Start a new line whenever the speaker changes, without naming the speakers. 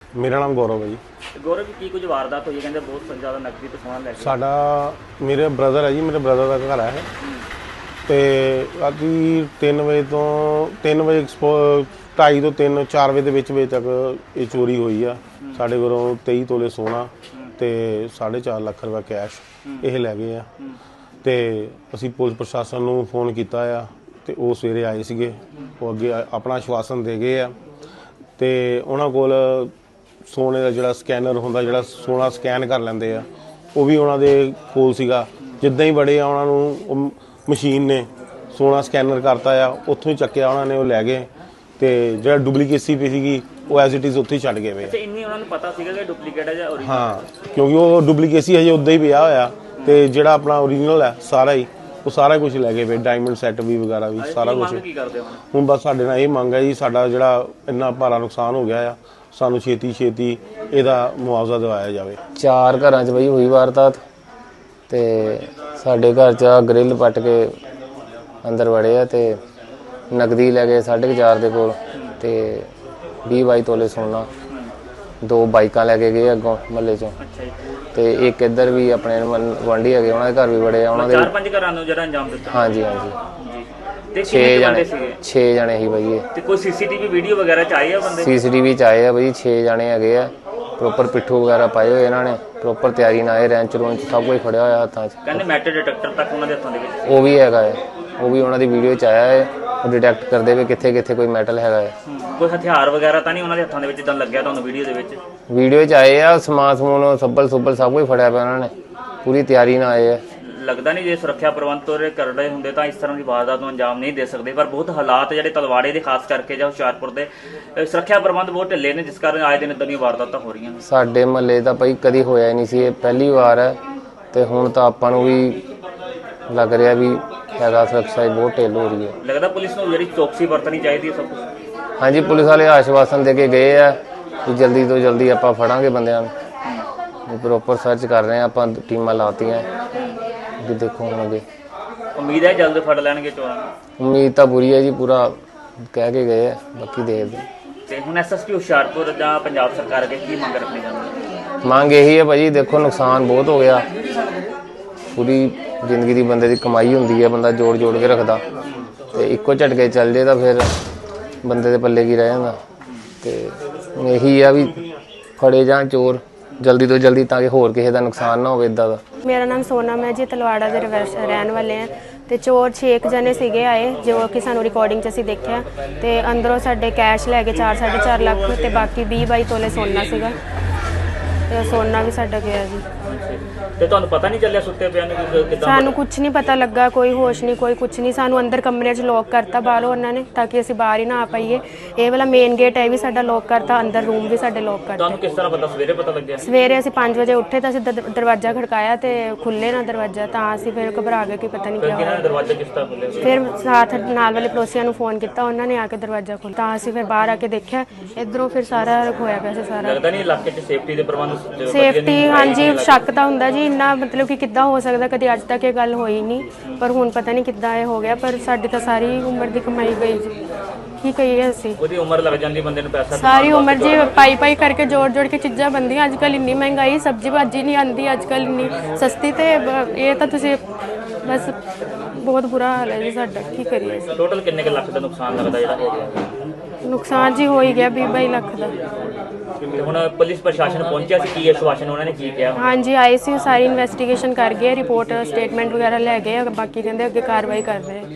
ਮੇਰਾ ਨਾਮ ਗੌਰਵ ਹੈ ਜੀ।
ਗੌਰਵ ਕੀ ਕੁਝ ਵਾਰਦਾਤ ਹੋਈ ਹੈ? ਕਹਿੰਦੇ ਬਹੁਤ ਜ਼ਿਆਦਾ ਨਕਦੀ ਤੇ ਸੋਨਾ ਲੈ ਕੇ
ਸਾਡਾ ਮੇਰੇ ਬ੍ਰਦਰ ਹੈ ਜੀ, ਮੇਰੇ ਬ੍ਰਦਰ ਦਾ ਘਰ ਹੈ ਤੇ ਰਾਤੀ 3 ਵਜੇ ਤੋਂ 3 ਵਜੇ 2:30 ਤੋਂ 4 ਵਜੇ ਦੇ ਵਿੱਚ ਤੱਕ ਇਹ ਚੋਰੀ ਹੋਈ ਆ। ਸਾਡੇ ਕੋਲੋਂ 23 ਤੋਲੇ ਸੋਨਾ ਤੇ 4.5 ਲੱਖ ਰੁਪਏ ਕੈਸ਼ ਇਹ ਲੈ ਗਏ ਆ ਤੇ ਅਸੀਂ ਪੁਲਿਸ ਪ੍ਰਸ਼ਾਸਨ ਨੂੰ ਫੋਨ ਕੀਤਾ ਆ ਤੇ ਉਹ ਸਵੇਰੇ ਆਏ ਸੀਗੇ। ਉਹ ਅੱਗੇ ਆਪਣਾ ਆਸ਼ਵਾਸਨ ਦੇ ਗਏ ਆ ਤੇ ਉਹਨਾਂ ਕੋਲ ਸੋਨੇ ਦਾ ਜਿਹੜਾ ਸਕੈਨਰ ਹੁੰਦਾ, ਜਿਹੜਾ ਸੋਨਾ ਸਕੈਨ ਕਰ ਲੈਂਦੇ ਆ, ਉਹ ਵੀ ਉਹਨਾਂ ਦੇ ਕੋਲ ਸੀਗਾ। ਜਿੱਦਾਂ ਹੀ ਬੜੇ ਆ ਉਹਨਾਂ ਨੂੰ ਮਸ਼ੀਨ ਨੇ ਸੋਨਾ ਸਕੈਨਰ ਕਰਤਾ ਆ, ਉੱਥੋਂ ਹੀ ਚੱਕਿਆ ਉਹਨਾਂ ਨੇ, ਉਹ ਲੈ ਗਏ ਤੇ ਜਿਹੜਾ ਡੁਪਲੀਕੇਸੀ ਪਈ ਸੀਗੀ ਉਹ ਐਜ਼ ਇਟ ਇਜ਼ ਉੱਥੇ ਹੀ ਛੱਡ ਗਏ ਵੇ।
ਅੱਛਾ, ਇੰਨੀ ਉਹਨਾਂ ਨੂੰ ਪਤਾ ਸੀਗਾ ਕਿ ਡੁਪਲੀਕੇਟ ਹੈ ਜਾਂ ਓਰੀਜਨਲ?
ਹਾਂ, ਕਿਉਂਕਿ ਉਹ ਡੁਪਲੀਕੇਸੀ ਹਜੇ ਉੱਦਾਂ ਹੀ ਪਿਆ ਹੋਇਆ ਤੇ ਜਿਹੜਾ ਆਪਣਾ ਓਰੀਜਨਲ ਹੈ ਸਾਰਾ ਹੀ ਉਹ ਸਾਰਾ ਕੁਝ ਲੈ ਗਏ ਵੇ, ਡਾਇਮੰਡ ਸੈੱਟ ਵੀ ਵਗੈਰਾ ਵੀ ਸਾਰਾ ਕੁਝ।
ਕੀ ਕਰਦੇ
ਹੁਣ ਬਸ ਸਾਡੇ ਨਾਲ ਇਹ ਮੰਗ ਹੈ ਜੀ, ਸਾਡਾ ਜਿਹੜਾ ਇੰਨਾ ਭਾਰਾ ਨੁਕਸਾਨ ਹੋ ਗਿਆ ਆ, ਸਾਨੂੰ ਛੇਤੀ ਇਹਦਾ ਮੁਆਵਜ਼ਾ ਦਿਵਾਇਆ ਜਾਵੇ।
4 ਘਰਾਂ 'ਚ ਬਈ ਹੋਈ ਵਾਰਦਾਤ ਤੇ ਸਾਡੇ ਘਰ 'ਚ ਗ੍ਰਿਲ ਪੱਟ ਕੇ ਅੰਦਰ ਵੜੇ ਆ ਤੇ ਨਕਦੀ ਲੈ ਗਏ 4.5 ਦੇ ਕੋਲ ਤੇ 20-22 ਤੋਲੇ ਸੋਨਾ। 2 ਬਾਈਕਾਂ ਲੈ ਕੇ ਗਏ ਅੱਗੋਂ ਮਹੱਲੇ 'ਚੋਂ।
ਅੱਛਾ ਜੀ।
ਤੇ ਇੱਕ ਇੱਧਰ ਵੀ ਆਪਣੇ ਗੁਆਂਢੀ ਹੈਗੇ, ਉਹਨਾਂ ਦੇ ਘਰ ਵੀ ਬੜੇ ਆ। ਉਹਨਾਂ ਦੇ
4-5 ਘਰਾਂ ਨੂੰ ਜਿਹੜਾ ਅੰਜਾਮ ਦਿੱਤਾ?
ਹਾਂਜੀ
ਜੀ। ਤੇ
6
ਜਣੇ
ਜਣੇ
ਸੀਗੇ?
6 ਜਣੇ ਹੀ ਬਈ ਇਹ।
ਤੇ ਕੋਈ ਸੀਸੀਟੀਵੀ ਵੀਡੀਓ ਵਗੈਰਾ ਚ ਆਏ ਆ ਬੰਦੇ?
ਸੀਸੀਟੀਵੀ 'ਚ ਆਏ ਆ ਬਈ, 6 ਜਣੇ ਹੈਗੇ ਆ। ਪ੍ਰੋਪਰ ਪਿੱਠੂ ਵਗੈਰਾ ਪਾਏ ਹੋਏ ਇਹਨਾਂ ਨੇ, ਪ੍ਰੋਪਰ ਤਿਆਰੀ ਨਾਲ ਆਏ। ਰੈਂਚ ਰੂੰਚ ਸਭ ਕੁਝ ਫੜਿਆ ਹੋਇਆ ਹੱਥਾਂ 'ਚ।
ਕਹਿੰਦੇ ਮੈਟਲ ਡਿਟੈਕਟਰ ਤੱਕ ਉਹਨਾਂ ਦੇ ਹੱਥਾਂ ਦੇ ਵਿੱਚ?
ਉਹ ਵੀ ਹੈਗਾ ਹੈ, ਉਹ ਵੀ ਉਹਨਾਂ ਦੀ ਵੀਡੀਓ 'ਚ ਆਇਆ ਹੈ। ਉਹ ਡਿਟੈਕਟ ਕਰਦੇ ਵੀ ਕਿੱਥੇ ਕਿੱਥੇ ਕੋਈ ਮੈਟਲ ਹੈਗਾ ਹੈ।
ਕੋਈ ਹਥਿਆਰ ਵਗੈਰਾ ਤਾਂ ਨਹੀਂ ਉਹਨਾਂ ਦੇ ਹੱਥਾਂ ਦੇ ਵਿੱਚ ਜਿੱਦਾਂ ਲੱਗਿਆ ਤੁਹਾਨੂੰ ਵੀਡੀਓ ਦੇ ਵਿੱਚ?
ਵੀਡੀਓ 'ਚ ਆਏ ਆ, ਸਮਾਨ ਸਮੂਨ ਸੱਬਲ ਸੁੱਬਲ ਸਭ ਕੁਝ ਫੜਿਆ ਪਿਆ ਉਹਨਾਂ ਨੇ, ਪੂਰੀ ਤਿਆਰੀ ਨਾਲ ਆਏ ਆ।
ਲੱਗਦਾ ਨਹੀਂ ਜੇ ਸੁਰੱਖਿਆ ਪ੍ਰਬੰਧ ਤੋਰੇ ਕਰ ਰਹੇ ਹੁੰਦੇ ਤਾਂ ਇਸ ਤਰ੍ਹਾਂ ਦੀ ਵਾਰਦਾਤ ਨੂੰ ਅੰਜਾਮ ਨਹੀਂ ਦੇ ਸਕਦੇ, ਪਰ ਬਹੁਤ ਹਾਲਾਤ ਜਿਹੜੇ ਤਲਵਾੜੇ ਦੇ ਖਾਸ ਕਰਕੇ ਜਾਂ ਹੁਸ਼ਿਆਰਪੁਰ ਦੇ ਸੁਰੱਖਿਆ ਪ੍ਰਬੰਧ ਬਹੁਤ ਢਿੱਲੇ ਨੇ, ਜਿਸ ਕਾਰਨ ਆਏ ਦਿਨ ਇਦਾਂ ਦੀਆਂ ਵਾਰਦਾਤਾਂ ਹੋ ਰਹੀਆਂ ਨੇ।
ਸਾਡੇ ਮਹੱਲੇ ਤਾਂ ਭਾਈ ਕਦੀ ਹੋਇਆ ਹੀ ਨਹੀਂ ਸੀ, ਇਹ ਪਹਿਲੀ ਵਾਰ ਹੈ ਤੇ ਹੁਣ ਤਾਂ ਆਪਾਂ ਨੂੰ ਵੀ ਲੱਗ ਰਿਹਾ ਵੀ ਹੈਗਾ ਸੁਰੱਖਿਆ ਬਹੁਤ ਢਿੱਲ ਹੋ ਰਹੀ ਹੈ।
ਲੱਗਦਾ ਪੁਲਿਸ ਨੂੰ ਜਿਹੜੀ ਚੌਕਸੀ ਵਰਤਣੀ ਚਾਹੀਦੀ ਹੈ ਸਭ ਕੁਝ?
ਹਾਂਜੀ, ਪੁਲਿਸ ਵਾਲੇ ਆਸ਼ਵਾਸਨ ਦੇ ਕੇ ਗਏ ਆ ਕਿ ਜਲਦੀ ਤੋਂ ਜਲਦੀ ਆਪਾਂ ਫੜਾਂਗੇ ਬੰਦਿਆਂ ਨੂੰ। ਪ੍ਰੋਪਰ ਸਰਚ ਕਰ ਰਹੇ ਆ ਆਪਾਂ, ਟੀਮਾਂ ਲਾਤੀਆਂ ਕਿ ਦੇਖੋ ਹੁਣ ਅੱਗੇ।
ਉਮੀਦ ਹੈ ਜਲਦ ਫੜ ਲੈਣਗੇ ਚੋਰਾਂ ਨੂੰ?
ਉਮੀਦ ਤਾਂ ਪੂਰੀ ਹੈ ਜੀ, ਪੂਰਾ ਕਹਿ ਕੇ ਗਏ ਆ, ਬਾਕੀ ਦੇਖਦੇ।
ਤੇ ਹੁਣ ਐਸਐਸਪੀ ਹੁਸ਼ਿਆਰਪੁਰ ਜਾਂ ਪੰਜਾਬ ਸਰਕਾਰ ਅੱਗੇ ਕੀ ਮੰਗ ਰੱਖਣੀ ਚਾਹੁੰਦੇ ਹੋ?
ਮੰਗ ਇਹੀ ਹੈ ਭਾਜੀ, ਦੇਖੋ ਨੁਕਸਾਨ ਬਹੁਤ ਹੋ ਗਿਆ। ਪੂਰੀ ਜ਼ਿੰਦਗੀ ਦੀ ਬੰਦੇ ਦੀ ਕਮਾਈ ਹੁੰਦੀ ਹੈ, ਬੰਦਾ ਜੋੜ ਜੋੜ ਕੇ ਰੱਖਦਾ ਤੇ ਇੱਕੋ ਝਟਕੇ ਚੱਲ ਜੇ ਤਾਂ ਫਿਰ ਬੰਦੇ ਦੇ ਪੱਲੇ ਕੀ ਰਹਿ ਜਾਂਦਾ। ਤੇ ਇਹੀ ਆ ਵੀ ਫੜੇ ਜਾਣ ਚੋਰ ਜਲਦੀ ਤੋਂ ਜਲਦੀ, ਤਾਂ ਕਿ ਹੋਰ ਕਿਸੇ ਦਾ ਨੁਕਸਾਨ ਨਾ ਹੋਵੇ ਇੱਦਾਂ ਦਾ।
ਮੇਰਾ ਨਾਮ ਸੋਨਮ ਹੈ ਜੀ, ਤਲਵਾੜਾ ਦੇ ਰਹਿਣ ਵਾਲੇ ਆ ਤੇ ਚੋਰ 6 ਜਣੇ ਸੀਗੇ ਆਏ, ਜੋ ਕਿ ਸਾਨੂੰ ਰਿਕਾਰਡਿੰਗ 'ਚ ਅਸੀਂ ਦੇਖਿਆ ਤੇ ਅੰਦਰੋਂ ਸਾਡੇ ਕੈਸ਼ ਲੈ ਕੇ 4-4.5 ਲੱਖ ਤੇ ਬਾਕੀ 20-22 ਤੋਲੇ ਸੋਨਾ ਸੀਗਾ ਤੇ ਸੋਨਾ ਵੀ ਸਾਡਾ ਗਿਆ ਜੀ।
ਤੇ ਤੁਹਾਨੂੰ ਪਤਾ ਨਹੀਂ ਚੱਲਿਆ ਸੁੱਤੇ ਪਿਆ ਨੂੰ ਕਿਦਾਂ?
ਸਾਨੂੰ ਕੁਝ ਨਹੀਂ ਪਤਾ ਲੱਗਾ, ਕੋਈ ਹੋਸ਼ ਨਹੀਂ, ਕੋਈ ਕੁਝ ਨਹੀਂ। ਸਾਨੂੰ ਅੰਦਰ ਕਮਰੇ 'ਚ ਲੋਕ ਕਰਤਾ ਬਾਹਰੋਂ ਉਹਨਾਂ ਨੇ, ਤਾਂ ਕਿ ਅਸੀਂ ਬਾਹਰ ਹੀ ਨਾ ਆ ਪਾਈਏ। ਇਹ ਵਾਲਾ ਮੇਨ ਗੇਟ ਹੈ ਵੀ ਸਾਡਾ ਲੋਕ ਕਰਤਾ, ਅੰਦਰ ਰੂਮ ਵੀ ਸਾਡੇ ਲੋਕ ਕਰਤਾ।
ਤੁਹਾਨੂੰ ਕਿਸ ਤਰ੍ਹਾਂ ਪਤਾ? ਸਵੇਰੇ ਪਤਾ ਲੱਗਿਆ?
ਸਵੇਰੇ ਅਸੀਂ 5 ਵਜੇ ਉੱਠੇ ਤਾਂ ਅਸੀਂ ਦਰਵਾਜ਼ਾ ਖੜਕਾਇਆ ਤੇ ਖੁੱਲੇ ਨਾ ਦਰਵਾਜ਼ਾ, ਤਾਂ ਅਸੀਂ ਫਿਰ ਘਬਰਾ ਗਏ ਕਿ ਪਤਾ ਨਹੀਂ ਕੀ ਹੋਇਆ।
ਦਰਵਾਜ਼ਾ ਕਿਸ ਤਰ੍ਹਾਂ ਖੁੱਲਿਆ?
ਫਿਰ ਸਾਥ ਨਾਲ ਵਾਲੇ ਪੜੋਸੀਆਂ ਨੂੰ ਫੋਨ ਕੀਤਾ, ਉਹਨਾਂ ਨੇ ਆ ਕੇ ਦਰਵਾਜ਼ਾ ਖੋਲ੍ਹਿਆ, ਤਾਂ ਅਸੀਂ ਫਿਰ ਬਾਹਰ ਆ ਕੇ ਦੇਖਿਆ ਇਧਰੋਂ ਫਿਰ ਸਾਰਾ ਹੋਇਆ ਪਿਆ ਸੀ ਸਾਰਾ।
ਲੱਗਦਾ ਨਹੀਂ ਇਲਾਕੇ 'ਚ ਸੇਫਟੀ ਦੇ ਪ੍ਰਬੰਧ?
ਸੇਫਟੀ ਹਾਂਜੀ, ਸ਼ੱਕ ਤਾਂ ਹੁੰਦਾ ਜੀ, ਇੰਨਾ ਮਤਲਬ ਕਿ ਕਿੱਦਾਂ ਹੋ ਸਕਦਾ, ਕਦੀ ਅੱਜ ਤੱਕ ਇਹ ਗੱਲ ਹੋਈ ਨਹੀਂ, ਪਰ ਹੁਣ ਪਤਾ ਨਹੀਂ ਕਿੱਦਾਂ ਇਹ ਹੋ ਗਿਆ। ਪਰ ਸਾਡੀ ਤਾਂ ਸਾਰੀ ਉਮਰ ਦੀ ਕਮਾਈ ਗਈ ਜੀ, ਕੀ ਕਹੀਏ ਅਸੀਂ।
ਉਹਦੀ ਉਮਰ ਲੱਗ ਜਾਂਦੀ ਬੰਦੇ ਨੂੰ, ਪੈਸਾ
ਸਾਰੀ ਉਮਰ ਜੀ ਪਾਈ ਕਰਕੇ ਜੋੜ ਕੇ ਚੀਜ਼ਾਂ ਬਣਦੀਆਂ। ਅੱਜ ਕੱਲ੍ਹ ਇੰਨੀ ਮਹਿੰਗਾਈ, ਸਬਜ਼ੀ ਭਾਜੀ ਨਹੀਂ ਆਉਂਦੀ ਅੱਜ ਕੱਲ੍ਹ ਇੰਨੀ ਸਸਤੀ, ਤੇ ਇਹ ਤਾਂ ਤੁਸੀਂ ਬਸ ਬਹੁਤ ਬੁਰਾ ਹਾਲ ਹੈ ਜੀ ਸਾਡਾ, ਕੀ ਕਰੀਏ।
ਟੋਟਲ ਕਿੰਨੇ ਕੁ ਲੱਖ ਦਾ ਨੁਕਸਾਨ ਲੱਗਦਾ ਜਿਹੜਾ ਹੋ ਗਿਆ?
ਨੁਕਸਾਨ ਜੀ ਹੋ ਹੀ ਗਿਆ 20-22 ਲੱਖ ਦਾ।
ਤੇ ਹੁਣ ਪੁਲਿਸ ਪ੍ਰਸ਼ਾਸਨ ਪਹੁੰਚਿਆ ਸੀ, ਕੀ ਆਸ਼ਵਾਸਨ ਉਹਨਾਂ ਨੇ ਕੀ ਕਿਹਾ?
ਹਾਂਜੀ, ਆਏ ਸੀ, ਸਾਰੀ ਇਨਵੈਸਟੀਗੇਸ਼ਨ ਕਰ ਗਏ, ਰਿਪੋਰਟ ਸਟੇਟਮੈਂਟ ਵਗੈਰਾ ਲੈ ਗਏ, ਬਾਕੀ ਕਹਿੰਦੇ ਅੱਗੇ ਕਾਰਵਾਈ ਕਰ ਰਹੇ।